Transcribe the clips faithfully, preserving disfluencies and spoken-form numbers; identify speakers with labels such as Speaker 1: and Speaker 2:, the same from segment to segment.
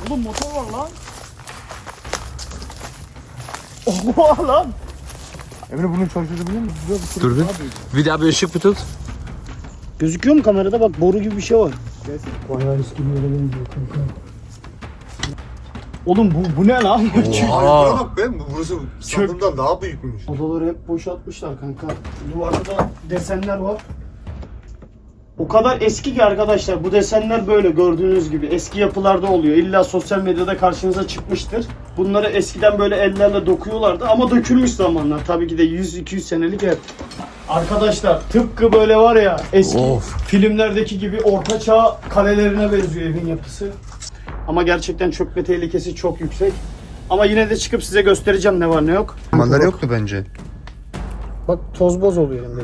Speaker 1: Oğlum motor var lan. Oha lan.
Speaker 2: Emre bunun çalıştırabilir misin?
Speaker 3: Dur bir. Bir daha bir ışık bir tut.
Speaker 1: Gözüküyor mu kamerada? Bak boru gibi bir şey var.
Speaker 2: Gelsin.
Speaker 1: Bayağı eski bir yere benziyor kanka. Oğlum bu, bu ne lan?
Speaker 2: Aa. Bak be, burası sandığımdan daha büyükmüş.
Speaker 1: Odaları hep boşaltmışlar kanka. Duvarda da desenler var. O kadar eski ki arkadaşlar, bu desenler böyle gördüğünüz gibi eski yapılarda oluyor. İlla sosyal medyada karşınıza çıkmıştır. Bunları eskiden böyle ellerle dokuyorlardı ama dökülmüş zamanlar. Tabii ki de yüz iki yüz senelik ev. Arkadaşlar tıpkı böyle var ya eski
Speaker 3: Of.
Speaker 1: filmlerdeki gibi ortaçağ kalelerine benziyor evin yapısı. Ama gerçekten çökme tehlikesi çok yüksek. Ama yine de çıkıp size göstereceğim ne var ne yok.
Speaker 2: Manzara yoktu bence.
Speaker 1: Bak toz boz oluyor elimde.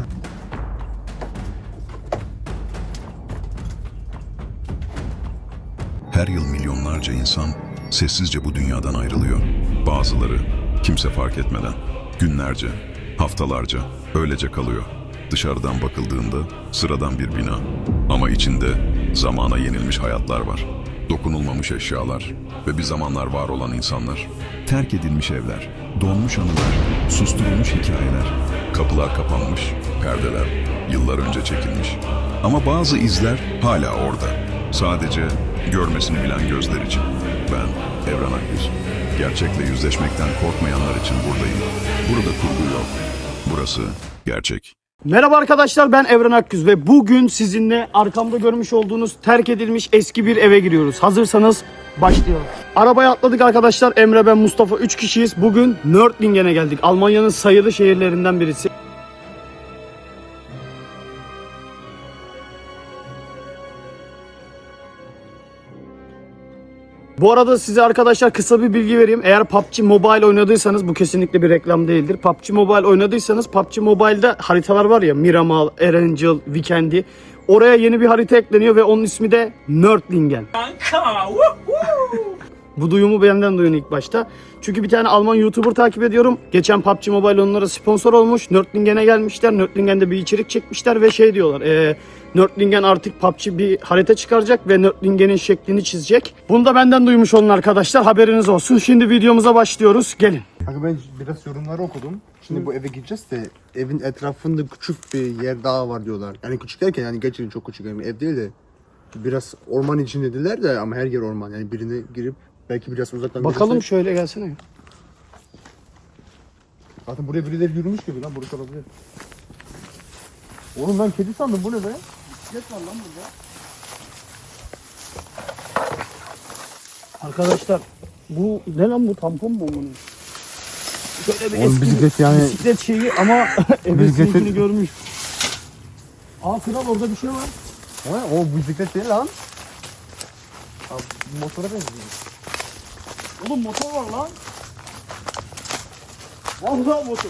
Speaker 4: Her yıl milyonlarca insan sessizce bu dünyadan ayrılıyor. Bazıları kimse fark etmeden günlerce, haftalarca öylece kalıyor. Dışarıdan bakıldığında sıradan bir bina ama içinde zamana yenilmiş hayatlar var. Dokunulmamış eşyalar ve bir zamanlar var olan insanlar. Terk edilmiş evler, donmuş anılar, susturulmuş hikayeler. Kapılar kapanmış, perdeler yıllar önce çekilmiş. Ama bazı izler hala orada. Sadece görmesini bilen gözler için. Ben Evren Akgüz. Gerçekle yüzleşmekten korkmayanlar için buradayım. Burada kurgu yok. Burası gerçek.
Speaker 1: Merhaba arkadaşlar, ben Evren Akgüz ve bugün sizinle arkamda görmüş olduğunuz terk edilmiş eski bir eve giriyoruz. Hazırsanız başlayalım. Arabaya atladık arkadaşlar. Emre, ben, Mustafa üç kişiyiz. Bugün Nördlingen'e geldik. Almanya'nın sayılı şehirlerinden birisi. Bu arada size arkadaşlar kısa bir bilgi vereyim. Eğer P U B G Mobile oynadıysanız, bu kesinlikle bir reklam değildir. P U B G Mobile oynadıysanız P U B G Mobile'da haritalar var ya, Miramal, Erangel, Vikendi. Oraya yeni bir harita ekleniyor ve onun ismi de Nördlingen. Bu duyumu benden duyun ilk başta. Çünkü bir tane Alman YouTuber takip ediyorum. Geçen P U B G Mobile onlara sponsor olmuş. Nördlingen'e gelmişler. Nördlingen'de bir içerik çekmişler ve şey diyorlar. E, Nördlingen artık P U B G bir harita çıkaracak ve Nördlingen'in şeklini çizecek. Bunu da benden duymuş olun arkadaşlar. Haberiniz olsun. Şimdi videomuza başlıyoruz. Gelin.
Speaker 2: Kanka ben biraz yorumları okudum. Şimdi bu eve gideceğiz de evin etrafında küçük bir yer daha var diyorlar. Yani küçük derken yani gerçekten çok küçük, yani ev değil de biraz orman için dediler de ama her yer orman. Yani birine girip belki biraz uzaktan
Speaker 1: Bakalım
Speaker 2: gidersek-
Speaker 1: şöyle gelsene.
Speaker 2: Zaten buraya birileri yürümüş gibi lan, burası olabilir. Oğlum ben kedi sandım, bu ne be?
Speaker 1: Bisiklet var lan burada. Arkadaşlar bu ne lan, bu tampon mu bunun? Şöyle bir
Speaker 2: Oğlum
Speaker 1: eski
Speaker 2: bisiklet yani-
Speaker 1: bisiklet şeyi ama ebesininkini görmüş. Aa kral, orada bir şey var.
Speaker 2: Ha, o bisiklet değil lan. Abi, motora benziyor.
Speaker 1: Oğlum motor var lan. Vallahi motor.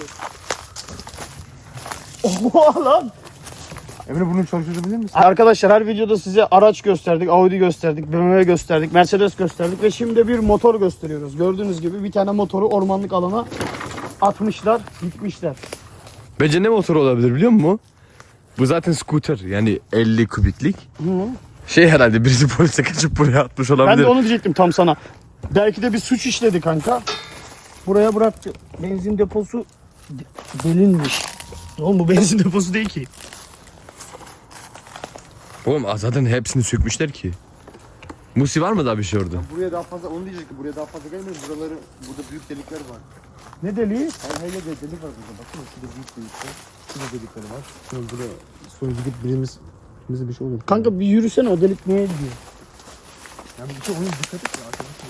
Speaker 1: Oha lan.
Speaker 2: Emre bunu çalıştırabilir misin?
Speaker 1: Arkadaşlar her videoda size araç gösterdik, Audi gösterdik, B M W gösterdik, Mercedes gösterdik ve şimdi bir motor gösteriyoruz. Gördüğünüz gibi bir tane motoru ormanlık alana atmışlar, gitmişler.
Speaker 3: Bence ne motoru olabilir biliyor musun? Bu zaten scooter, yani elli kubiklik.
Speaker 1: Hı.
Speaker 3: Şey herhalde birisi polise kaçıp buraya atmış
Speaker 1: Ben
Speaker 3: olabilir.
Speaker 1: de onu diyecektim tam sana. Belki de bir suç işledi kanka. Buraya bıraktı. Benzin deposu de- delinmiş. Oğlum bu benzin deposu değil ki.
Speaker 3: Oğlum zaten hepsini sökmüşler ki. Musi var mı daha bir şey orada?
Speaker 2: Buraya daha fazla, onu diyecek ki buraya daha fazla gelmeyin. Buraları, burada büyük delikler var.
Speaker 1: Ne deliği?
Speaker 2: Hayır hayır, delik var burada. Bakın şurada büyük delikler. Şurada delikleri var. Şurada buraya sonra gidip birimiz bize bir şey olur.
Speaker 1: Kanka bir yürüsene, o delik neye gidiyor?
Speaker 2: Yani bir şey ona dikkat et ya arkadaşlar.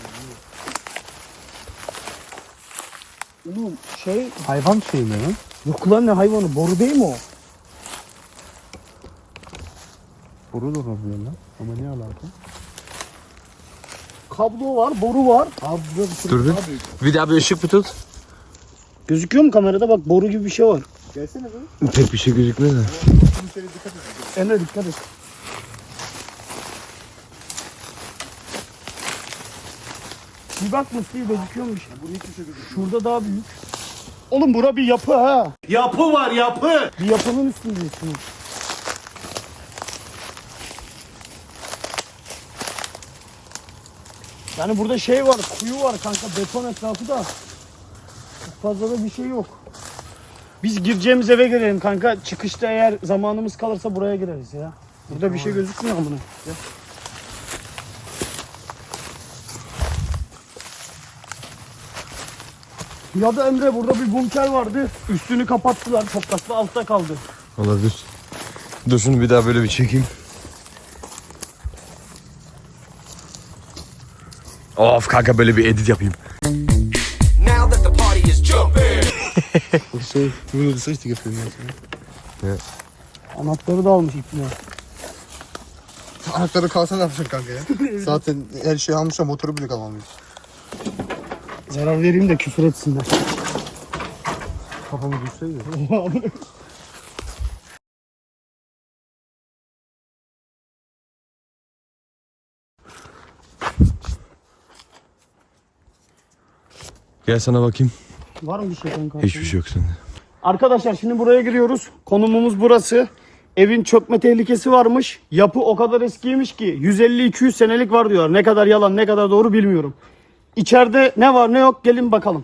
Speaker 1: Oğlum şey,
Speaker 2: Hayvan şey mi lan?
Speaker 1: yok lan, ne hayvanı, boru değil mi o?
Speaker 2: Boru da olabilir lan. Ama ne alaka?
Speaker 1: Kablo var, boru var.
Speaker 2: Abi burada bir sürü
Speaker 3: Dur bir.
Speaker 2: daha büyük.
Speaker 3: Bir daha bir ışık bir tut.
Speaker 1: Gözüküyor mu kamerada? Bak boru gibi bir şey var.
Speaker 2: Gelsene be.
Speaker 3: Pek bir şey gözükmüyor da.
Speaker 2: Şunun şöyle dikkat et.
Speaker 1: Emre dikkat et. Bir bak Mustafa, gözüküyormuş.
Speaker 2: Bu hiçbir şey gözükmüyor.
Speaker 1: Şurada daha büyük. Oğlum bura bir yapı ha.
Speaker 5: Yapı var yapı.
Speaker 1: Bir yapının üstündesin. Yani burada şey var, kuyu var kanka, beton etrafı da. Çok fazla da bir şey yok. Biz gireceğimiz eve girelim kanka. Çıkışta eğer zamanımız kalırsa buraya gireriz ya. Burada bir şey gözükmüyor amına. Ya da Emre burada bir bunker vardı. Üstünü kapattılar. Toprakla altta kaldı.
Speaker 3: Olabilir. Dur şunu bir daha böyle bir çekeyim. Of kanka böyle bir edit yapayım.
Speaker 5: Now that the party is jumping.
Speaker 2: Bu şey, bunu da seçtik yapıyorum ya.
Speaker 1: Anahtarı da almış ipine.
Speaker 2: Anahtarı kalsa ne yapacaksın kanka ya? Zaten her şeyi almışlar, motoru bile kalmamış.
Speaker 1: Zarar vereyim de küfür etsinler.
Speaker 2: Kafamı düşseydi.
Speaker 3: Gel sana bakayım.
Speaker 1: Var mı bir şey kanka?
Speaker 3: Hiçbir şey yok sende.
Speaker 1: Arkadaşlar şimdi buraya giriyoruz. Konumumuz burası. Evin çökme tehlikesi varmış. Yapı o kadar eskiymiş ki yüz elli iki yüz senelik var diyorlar. Ne kadar yalan ne kadar doğru bilmiyorum. İçeride ne var ne yok gelin bakalım.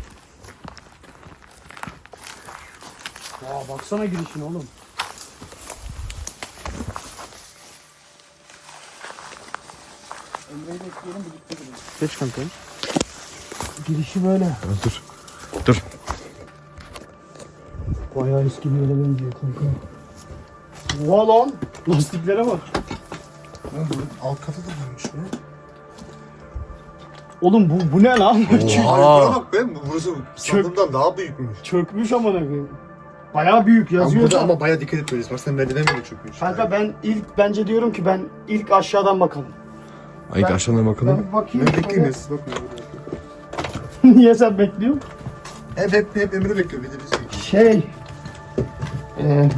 Speaker 1: Ya baksana girişine oğlum. Emre'yi bekleyelim birlikte girelim.
Speaker 2: Geç kanka.
Speaker 1: Girişi böyle.
Speaker 3: Dur. Dur.
Speaker 1: Bayağı eski bir yere benziyor kanka. Oha lan. Lastiklere bak.
Speaker 2: Oğlum bunun alt katı da varmış ya.
Speaker 1: Oğlum bu, bu ne lan?
Speaker 2: Abi buna bak be, burası sandığımdan daha büyükmüş.
Speaker 1: Çökmüş amına koyayım. Bayağı büyük
Speaker 2: Ama
Speaker 1: yazıyor.
Speaker 2: burada
Speaker 1: da.
Speaker 2: ama bayağı dikkat etmeliyiz. Bak sen merdiven bile çökmüş.
Speaker 1: Kanka ben ilk bence diyorum ki ben ilk aşağıdan bakalım.
Speaker 3: Ay
Speaker 1: Ben-
Speaker 3: aşağıdan bakalım.
Speaker 1: Ben bir bakayım.
Speaker 2: Ben bekleyeyim siz bakın.
Speaker 1: Niye sen bekliyorsun?
Speaker 2: Hep hep hep Emre bekliyor. Bir de biz bekliyoruz.
Speaker 1: Şey. Ee,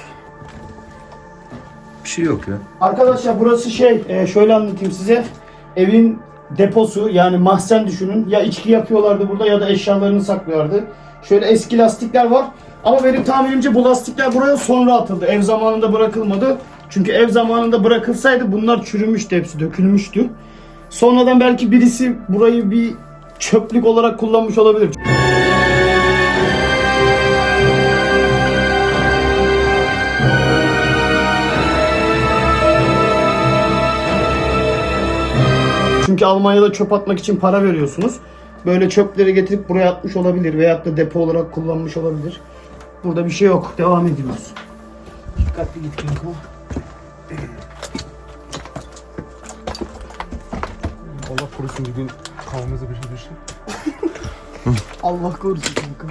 Speaker 3: Bir şey yok ya.
Speaker 1: arkadaşlar burası şey e, şöyle anlatayım size. Evin deposu yani mahzen düşünün. Ya içki yapıyorlardı burada ya da eşyalarını saklıyorlardı. Şöyle eski lastikler var. Ama benim tahminimce bu lastikler buraya sonra atıldı. Ev zamanında bırakılmadı. Çünkü ev zamanında bırakılsaydı bunlar çürümüştü, hepsi dökülmüştü. Sonradan belki birisi burayı bir çöplük olarak kullanmış olabilir. Çünkü Almanya'da çöp atmak için para veriyorsunuz. Böyle çöpleri getirip buraya atmış olabilir veyahut da depo olarak kullanmış olabilir. Burada bir şey yok. Devam ediyoruz. Dikkatli git kanka.
Speaker 2: Allah korusun bir gün kafamıza bir şey düştü.
Speaker 1: Allah korusun kanka.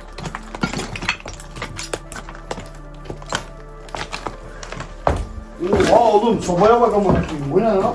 Speaker 1: Oha oğlum sobaya bak amına koyayım. Bu ne lan?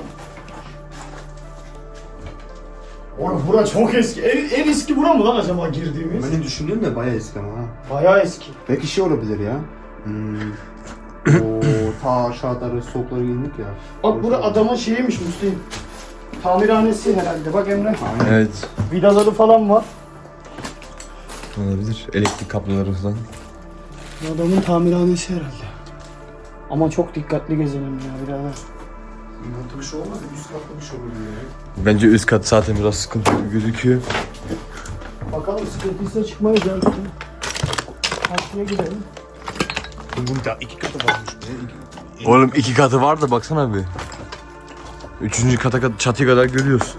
Speaker 1: Oğlum bura çok eski. En, en eski bura mı lan acaba girdiğimiz?
Speaker 2: Benim düşündüğüm de bayağı eski ama ha.
Speaker 1: Bayağı eski.
Speaker 2: Belki şey olabilir ya. Hmm. O ta aşağıda soğuklara girdik ya.
Speaker 1: Bak bura adamın şeyiymiş Müslüman. Tamirhanesi herhalde. Bak Emre.
Speaker 3: Evet.
Speaker 1: Vidaları falan var.
Speaker 3: Olabilir. Elektrik kabloları falan.
Speaker 1: Adamın tamirhanesi herhalde. Ama çok dikkatli gezelim ya birader.
Speaker 2: Altı bir şey olmaz ya, üst katta bir şey olur ya.
Speaker 3: Bence üst kat zaten biraz sıkıntı gözüküyor.
Speaker 1: Bakalım sıkıntıysa çıkmayız ya. Karşıya gidelim.
Speaker 2: Bunun da iki katı varmış be. İki...
Speaker 3: Oğlum iki katı var da baksana bir. Üçüncü kata kadar çatıya kadar görüyoruz.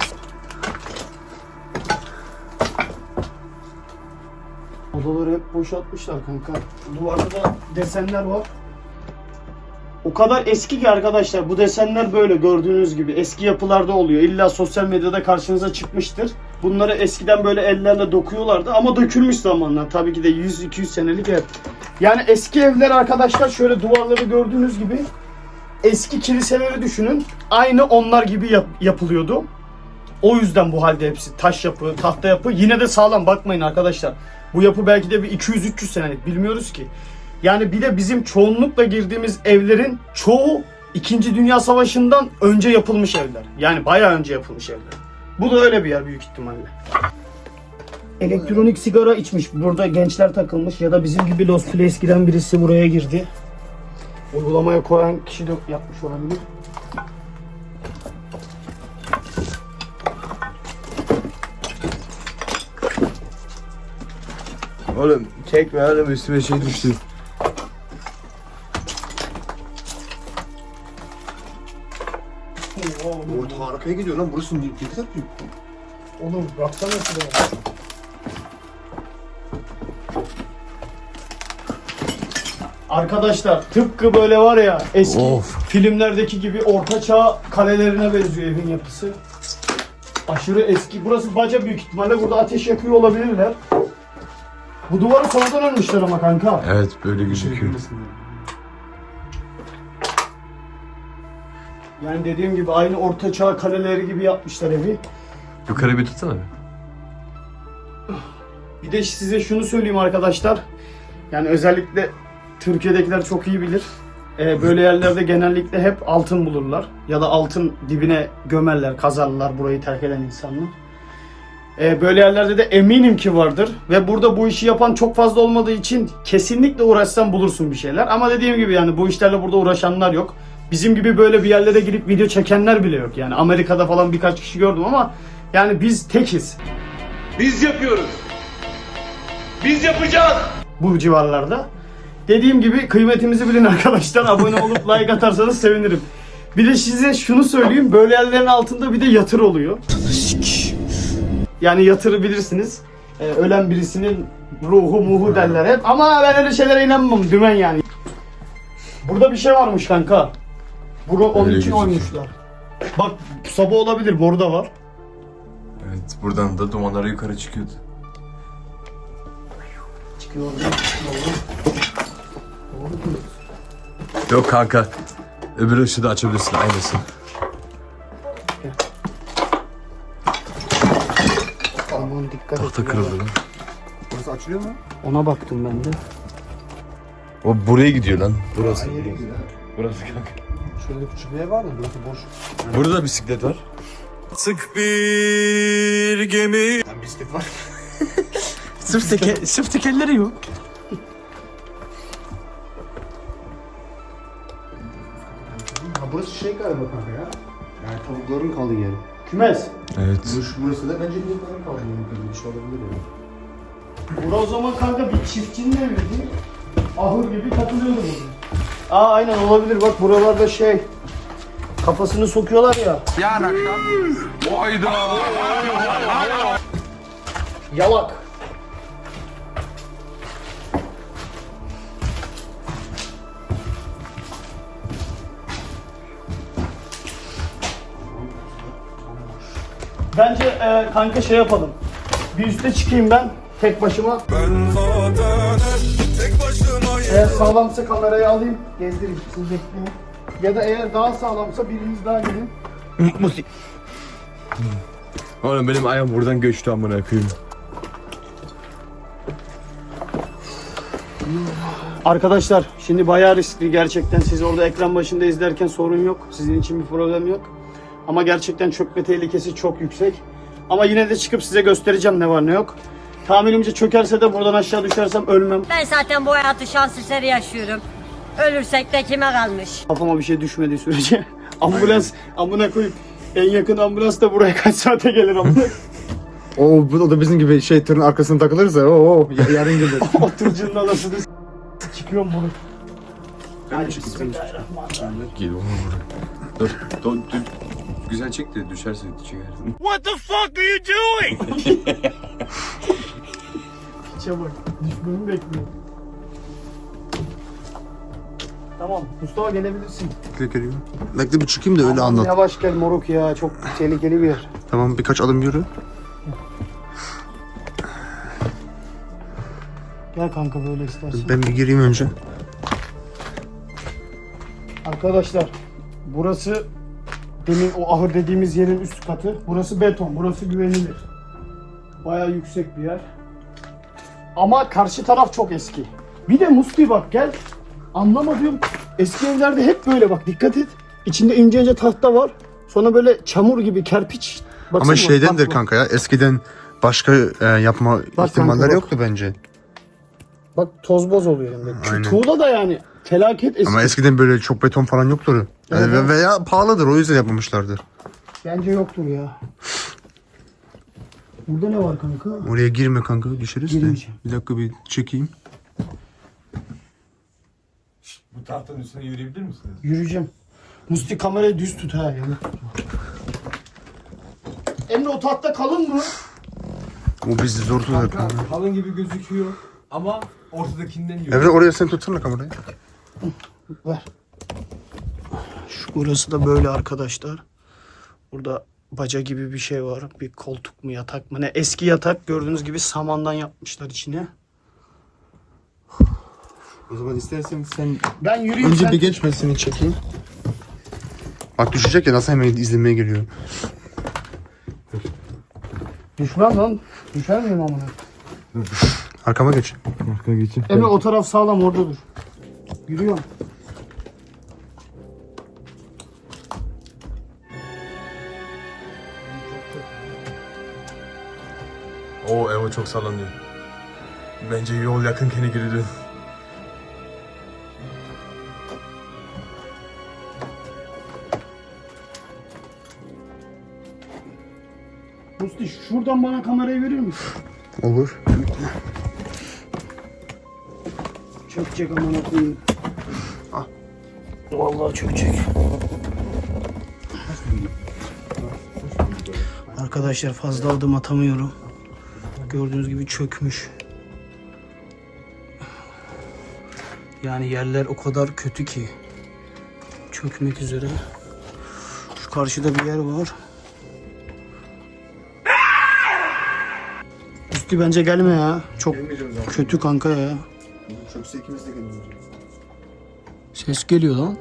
Speaker 1: Odaları hep boşaltmışlar kanka. Duvarda da desenler var. O kadar eski ki arkadaşlar bu desenler böyle gördüğünüz gibi eski yapılarda oluyor. İlla sosyal medyada karşınıza çıkmıştır. Bunları eskiden böyle ellerle dokuyorlardı ama dökülmüş zamanla. Tabii ki de yüz iki yüz senelik ev. Yani eski evler arkadaşlar şöyle duvarları gördüğünüz gibi eski kiliseleri düşünün. Aynı onlar gibi yap- yapılıyordu. O yüzden bu halde hepsi taş yapı, tahta yapı. Yine de sağlam bakmayın arkadaşlar. Bu yapı belki de bir iki yüz üç yüz senelik bilmiyoruz ki. Yani bir de bizim çoğunlukla girdiğimiz evlerin çoğu İkinci Dünya Savaşı'ndan önce yapılmış evler. Yani bayağı önce yapılmış evler. Bu da öyle bir yer büyük ihtimalle. Elektronik sigara içmiş. Burada gençler takılmış ya da bizim gibi Los Feliz giren birisi buraya girdi. Uygulamaya koyan kişi de yapmış olabilir.
Speaker 3: Oğlum çekme oğlum üstüme şey düştü.
Speaker 2: Orta arkaya gidiyor lan. Burası ne kadar büyük.
Speaker 1: Oğlum baksana şuraya. Arkadaşlar tıpkı böyle var ya eski
Speaker 3: Of.
Speaker 1: filmlerdeki gibi ortaçağ kalelerine benziyor evin yapısı. Aşırı eski. Burası baca büyük ihtimalle. Burada ateş yakıyor olabilirler. Bu duvarı sonradan örmüşler ama kanka.
Speaker 3: Evet böyle gözüküyor.
Speaker 1: Yani dediğim gibi aynı ortaçağ kaleleri gibi yapmışlar evi.
Speaker 3: Yukarı bir tutsana.
Speaker 1: Bir de size şunu söyleyeyim arkadaşlar. Yani özellikle Türkiye'dekiler çok iyi bilir. Ee, böyle yerlerde genellikle hep altın bulurlar. Ya da altın dibine gömerler, kazarlar burayı terk eden insanlar. Ee, böyle yerlerde de eminim ki vardır. Ve burada bu işi yapan çok fazla olmadığı için kesinlikle uğraşsan bulursun bir şeyler. Ama dediğim gibi yani bu işlerle burada uğraşanlar yok. Bizim gibi böyle bir yerlere girip video çekenler bile yok. Yani Amerika'da falan birkaç kişi gördüm ama yani biz tekiz.
Speaker 6: Biz yapıyoruz. Biz yapacağız.
Speaker 1: Bu civarlarda. Dediğim gibi kıymetimizi bilin arkadaşlar. Abone olup like atarsanız sevinirim. Bir de size şunu söyleyeyim. Böyle yerlerin altında bir de yatır oluyor. Yani yatırı bilirsiniz. Ee, ölen birisinin ruhu muhu derler hep. Ama ben öyle şeylere inanmam. Dümen yani. Burada bir şey varmış kanka. Bunu onun
Speaker 3: Öyle
Speaker 1: için
Speaker 3: gözüküyor.
Speaker 1: oymuşlar. Bak soba olabilir. Boru da var.
Speaker 3: Evet buradan da dumanları yukarı çıkıyordu.
Speaker 1: Çıkıyor oradan.
Speaker 3: Yok kanka. Öbür ışığı da açabilirsin aynısı.
Speaker 1: Aman dikkat et.
Speaker 3: Tahta kırıldı lan.
Speaker 2: Burası açılıyor mu?
Speaker 1: Ona baktım ben de.
Speaker 3: O buraya gidiyor lan. Burası.
Speaker 2: Hayır gidiyor.
Speaker 3: Burası kanka.
Speaker 2: Şurada küçük bir ev var da burası boş.
Speaker 3: Burada da bisiklet var.
Speaker 6: Sık bir gemi.
Speaker 2: Lan bisiklet var.
Speaker 3: Sırf, teke, sırf tekerleri yok.
Speaker 2: Ha burası şey galiba kanka ya. Yani tavukların kaldığı yer.
Speaker 1: Kümes.
Speaker 3: Evet.
Speaker 2: Burası, burası da bence tavukların kaldığı yer. Bir şey olabilir ya.
Speaker 1: Bura o zaman kanka bir çiftçinin eviydi. Ahır gibi takılıyordu burada. Aa aynen olabilir bak buralarda şey kafasını sokuyorlar ya.
Speaker 6: Yarın akşam. Hayda.
Speaker 1: Yalak. Bence e, kanka şey yapalım. Bir üste çıkayım ben tek başıma.
Speaker 6: Ben zaten tek başımayım.
Speaker 1: Eğer sağlamsa kamerayı alayım, gezdireyim, siz bekleyin. Ya da eğer daha sağlamsa biriniz daha gelin.
Speaker 3: Musik. Oğlum benim ayağım buradan göçtü amına koyayım.
Speaker 1: Arkadaşlar şimdi bayağı riskli gerçekten. Siz orada ekran başında izlerken sorun yok. Sizin için bir problem yok. Ama gerçekten çökme tehlikesi çok yüksek. Ama yine de çıkıp size göstereceğim ne var ne yok. Tahminimce çökerse de buradan aşağı düşersem ölmem.
Speaker 7: Ben zaten bu hayatı şans eseri yaşıyorum. Ölürsek de kime kalmış?
Speaker 1: Kafama bir şey düşmediği sürece. Ambulans amına koyup en yakın ambulans da buraya kaç saate gelir amına.
Speaker 2: Oo bu o da bizim gibi şey tırın arkasına takılırsa o o yarın gelir.
Speaker 1: Oturucunun anasını s- çıkıyorum bunu. Hadi
Speaker 3: Gel onu vur. Dur, dur, dur. Güzel çek de düşerse çekersin.
Speaker 6: What the fuck are you doing?
Speaker 1: Piçe bak. Düşmemi bekliyor. Tamam. Mustafa gelebilirsin.
Speaker 2: Geliyor. Bekle bir çıkayım da öyle
Speaker 1: Aman
Speaker 2: anlat.
Speaker 1: Yavaş gel moruk ya. Çok tehlikeli bir yer.
Speaker 2: Tamam birkaç adım yürü.
Speaker 1: Gel kanka böyle istersen.
Speaker 2: Ben bir gireyim önce.
Speaker 1: Arkadaşlar burası demin o ahır dediğimiz yerin üst katı. Burası beton. Burası güvenilir. Bayağı yüksek bir yer. Ama karşı taraf çok eski. Bir de Musti bak gel. Anlamadığım eski evlerde hep böyle bak dikkat et. İçinde ince ince tahta var. Sonra böyle çamur gibi kerpiç. Baksana
Speaker 2: Ama
Speaker 1: bak,
Speaker 2: şeydendir
Speaker 1: bak,
Speaker 2: kanka ya eskiden başka e, yapma
Speaker 1: Bak
Speaker 2: ihtimaller
Speaker 1: kanka, bak.
Speaker 2: yoktu bence.
Speaker 1: Bak toz boz oluyor elinde.
Speaker 2: Aynen.
Speaker 1: Tuğla da yani felaket eski.
Speaker 2: Ama eskiden böyle çok beton falan yoktur. Yani
Speaker 1: Evet,
Speaker 2: ve-
Speaker 1: evet.
Speaker 2: veya pahalıdır o yüzden yapmamışlardır.
Speaker 1: Bence yoktur ya. Burada ne var kanka?
Speaker 2: Oraya girme kanka, düşeriz de.
Speaker 1: Girmeyeceğim.
Speaker 2: Bir dakika bir çekeyim.
Speaker 3: Bu tahtanın üstüne yürüyebilir misiniz?
Speaker 1: Yürüyeceğim. Musti kamerayı düz tut ha yani. Emre o tahta kalın mı?
Speaker 2: O bizi zor tutar kanka.
Speaker 3: Kanka kalın gibi gözüküyor ama ortadakinden yürüyor.
Speaker 2: Emre oraya sen tutsana kamerayı.
Speaker 1: Ver. Şu burası da böyle arkadaşlar. Burada baca gibi bir şey var. Bir koltuk mu yatak mı ne? Eski yatak gördüğünüz gibi samandan yapmışlar içine.
Speaker 2: O zaman istersen sen
Speaker 1: Ben yürüyeyim
Speaker 2: önce
Speaker 1: sen...
Speaker 2: bir geç ben seni çekeyim. Bak düşecek ya, nasıl hemen izlemeye geliyor.
Speaker 1: Düşmem lan. Düşer miyim amına?
Speaker 2: Arkama geç.
Speaker 3: Arka geçin.
Speaker 1: Emre o taraf sağlam orada dur. Yürüyorum.
Speaker 3: Oo Evo çok sallanıyor. Bence yol yakınken geri dön.
Speaker 1: Musti şuradan bana kamerayı verir misin?
Speaker 2: Olur.
Speaker 1: Çökecek amına koyayım. Ah. Vallahi çökecek. Arkadaşlar fazla adım atamıyorum. Gördüğünüz gibi çökmüş. Yani yerler o kadar kötü ki çökmek üzere. Şu karşıda bir yer var. Üstü bence gelme ya. Çok kötü kanka ya.
Speaker 2: Çökse ikimiz de gelmiyoruz.
Speaker 1: Ses geliyor lan.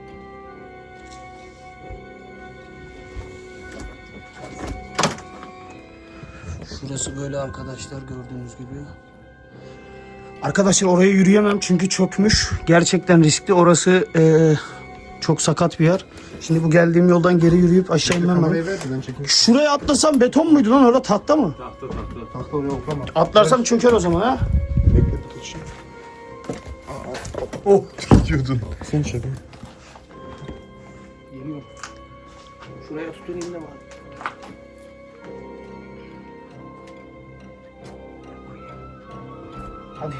Speaker 1: Şurası böyle arkadaşlar gördüğünüz gibi. Arkadaşlar oraya yürüyemem çünkü çökmüş. Gerçekten riskli. Orası eee, çok sakat bir yer. Şimdi bu geldiğim yoldan geri yürüyüp aşağı inmem
Speaker 2: Kamerayı
Speaker 1: lazım.
Speaker 2: ver de ben çekeyim.
Speaker 1: Şuraya atlasam beton muydu lan, orada tahta mı?
Speaker 2: Tahta oraya oklama.
Speaker 1: Atlarsam çöker o zaman ha.
Speaker 2: Bekle tutuşayım. Oh gidiyordun. Sen çek.
Speaker 1: Geliyorum. Şuraya tutunayım da var. Hadi.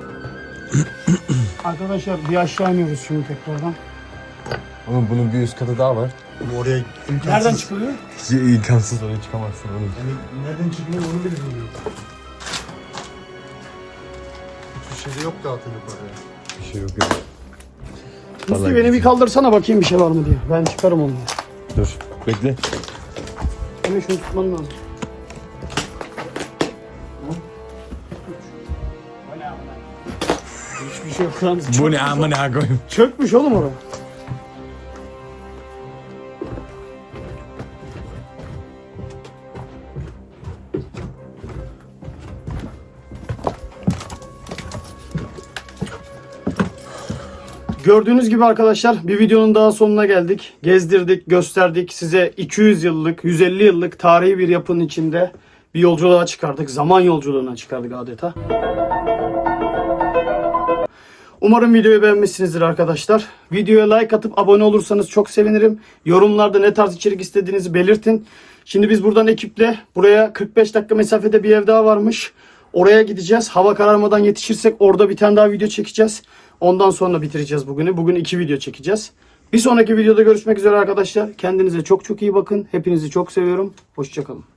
Speaker 1: Arkadaşlar bir aşağı iniyoruz şimdi tekrardan.
Speaker 3: Oğlum bunun bir üst katı daha var.
Speaker 2: Oraya imkansız.
Speaker 1: Nereden çıkılıyor?
Speaker 3: İmkansız oraya çıkamazsın oğlum.
Speaker 2: Yani nereden çıkıyor onu bile bilmiyorum. Hiçbir şey de yok da atın yukarıya.
Speaker 3: Bir şey yok ya.
Speaker 1: Musti beni bir kaldırsana bakayım bir şey var mı diye. Ben çıkarım onu.
Speaker 3: Dur bekle.
Speaker 1: Hemen şunu tutman lazım. Hiçbir şey yok lan.
Speaker 3: Bu ne amına koyayım.
Speaker 1: Çökmüş oğlum orada. Gördüğünüz gibi arkadaşlar bir videonun daha sonuna geldik. Gezdirdik, gösterdik. Size iki yüz yıllık, yüz elli yıllık tarihi bir yapının içinde bir yolculuğa çıkardık. Zaman yolculuğuna çıkardık adeta. Umarım videoyu beğenmişsinizdir arkadaşlar. Videoya like atıp abone olursanız çok sevinirim. Yorumlarda ne tarz içerik istediğinizi belirtin. Şimdi biz buradan ekiple buraya kırk beş dakika mesafede bir ev daha varmış. Oraya gideceğiz. Hava kararmadan yetişirsek orada bir tane daha video çekeceğiz. Ondan sonra bitireceğiz bugünü. Bugün iki video çekeceğiz. Bir sonraki videoda görüşmek üzere arkadaşlar. Kendinize çok çok iyi bakın. Hepinizi çok seviyorum. Hoşça kalın.